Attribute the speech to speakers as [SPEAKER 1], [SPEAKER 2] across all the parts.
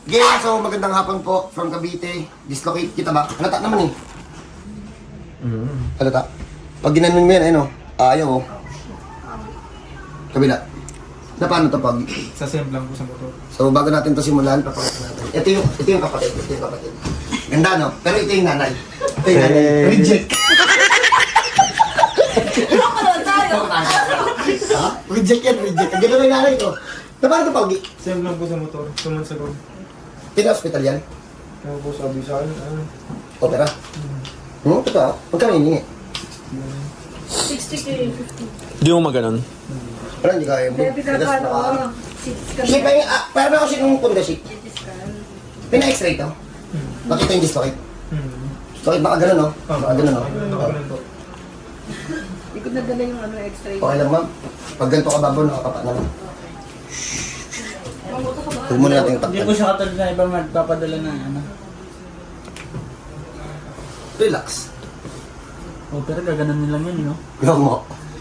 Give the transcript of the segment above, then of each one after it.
[SPEAKER 1] Okay, so magandang hapon po from Cavite. Dislocate kita ba? Halata naman eh. Halata. Pag ginanon mo yan, ayun o. Ayaw o. Kabila. Na paano to pag?
[SPEAKER 2] Sa sem lang po sa motor.
[SPEAKER 1] So bago natin to simulan, papakita natin. Ito yung kapatid. Ito yung kapatid. Ganda no? Pero ito yung nanay. Ito yung nanay. Reject. Ha? Reject yan, reject. Ang gano'n yung nanay ko. Na paano to pag?
[SPEAKER 2] Sem lang po sa motor. 2 months ago.
[SPEAKER 1] Pina-hospital yan?
[SPEAKER 2] Ano po sabi sa akin?
[SPEAKER 1] Opera? Ito. Magkano hiningi?
[SPEAKER 3] 60k, 50.
[SPEAKER 4] Di mo maganon?
[SPEAKER 1] Wala, hindi kaya.
[SPEAKER 3] Baby ka pa, no?
[SPEAKER 1] Ship, parang ako sinong punda ship. Pina-x-ray to. Nakita yung dislocate. Dislocate baka ganun, no? Baka ganun, no?
[SPEAKER 2] Ganun po.
[SPEAKER 3] Hindi ko nadala yung ano, extra.
[SPEAKER 1] Okay lang, ma'am. Pag ganito ka babaw, nakakapa na lang. Huwag muna natin yung
[SPEAKER 5] Hindi po
[SPEAKER 1] takpan.
[SPEAKER 5] siya katulad na iba magpapadala ng ano.
[SPEAKER 1] Relax.
[SPEAKER 5] Oh, pero gaganon nila yun, no?
[SPEAKER 1] Huwag mo.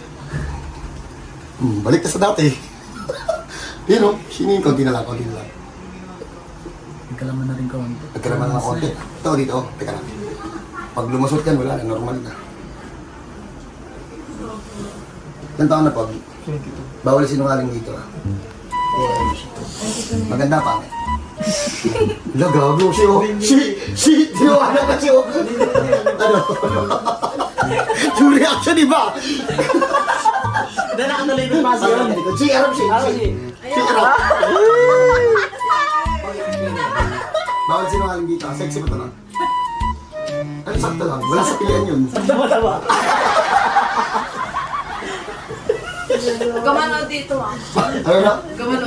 [SPEAKER 1] Balik ka sa dati. Yun, no? Sinin, konti na lang, konti na lang.
[SPEAKER 5] Nagkalaman na rin kaunti.
[SPEAKER 1] Nagkaraman ng konti. Ito, dito. Teka lang. Pag lumusot yan, wala na. Normal na. Ilan taon na, Pog?
[SPEAKER 2] 22.
[SPEAKER 1] Bawal sinungaling dito, ah. Maganda pa. Wala, gago. Tinawanan ka siya. Ano? Yung reaction, di ba?
[SPEAKER 5] Hindi nakatuloy yung pass yun.
[SPEAKER 1] Si Arab, si Arab. Bawal sinungaling dito. Sexy ba ito lang? Ano, sakto lang. Wala sa pilihan yun.
[SPEAKER 5] Tama-tama.
[SPEAKER 3] Gamano dito, ah.
[SPEAKER 1] Ano na?
[SPEAKER 3] Gamano.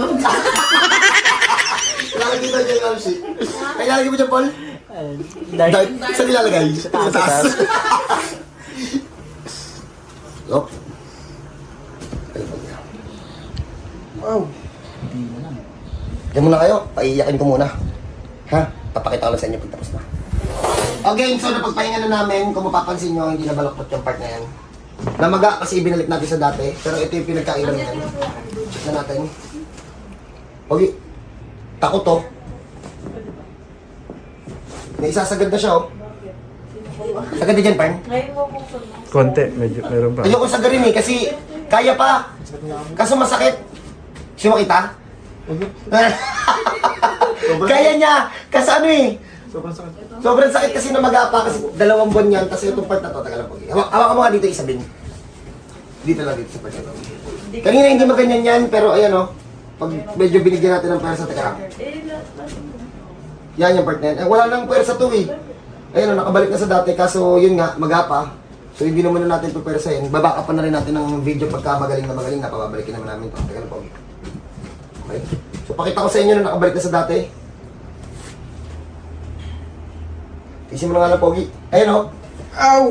[SPEAKER 1] Lalagay dito dyan, Arab, si. Ay, lalagay mo dyan, Paul?
[SPEAKER 5] Dark.
[SPEAKER 1] Saan nilalagay? Sa taas. Lop. Wow. Diyan muna kayo. Paiyakin ko muna. Ha? Papakita ko lang sa inyo pag tapos na. Okay, so napagpahinga na namin. Kung mapapansin nyo, hindi na balaktot yung part na yan. Namaga kasi ibinalik natin sa dati. Pero ito yung pinagkailan natin. Check na natin. Okay. Takot to. May isasagad na siya, oh. Sagad na dyan, Parn.
[SPEAKER 2] Konti, medyo meron pa.
[SPEAKER 1] Ayoko sagarin eh, kasi kaya pa. Kaso masakit. Siya makita? Kaya niya. Kasi ano eh.
[SPEAKER 2] Sobrang sakit.
[SPEAKER 1] Sobrang sakit kasi namaga pa kasi 2 buwan yan. Kasi itong part na to, tagal lang po. Hawak mo nga dito, Isabin. Dito lang dito sa part na to. Kanina hindi maganyan yan, pero ayan oh. Pag medyo binigyan natin ng pwersa, teka lang. Yan yung part na yan. Wala nang pwersa to eh. Ayan oh, nakabalik na sa dati. Kaso yun nga, magapa. So hindi naman na natin pwersahin. Babaka pa na rin natin ng video pagka magaling na, pababalikin naman namin ito. Teka lang po. Okay. So pakita ko sa inyo na nakabalik na sa dati. Tisin mo na nga lang, Pogi. Ayan o. Ow!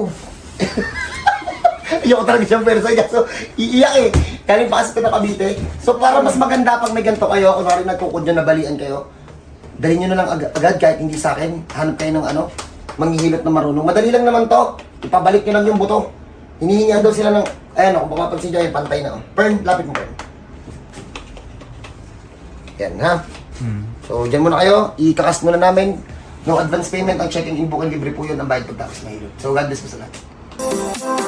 [SPEAKER 1] Ayoko talaga siyang pwersa. So, iiyak eh. Kaling pa kasi pinakabite. So, para mas maganda pag may ganito kayo, kung rin nagkukudyo na balian kayo, dalhin nyo na lang agad kahit hindi sa akin. Hanap kayo ng ano, manghihilot na marunong. Madali lang naman to. Ipabalik nyo lang yung buto. Hinihingihan daw sila ng, ayan o, kung makapansin dyan, pantay na o. Pern, lapit mo, Pern. Yan, ha? So, dyan muna kayo. Ikakas muna namin. No advance payment, ang check-in in book and libre po yun ang bayad pagtapos mahilot. So, God bless po sa lahat.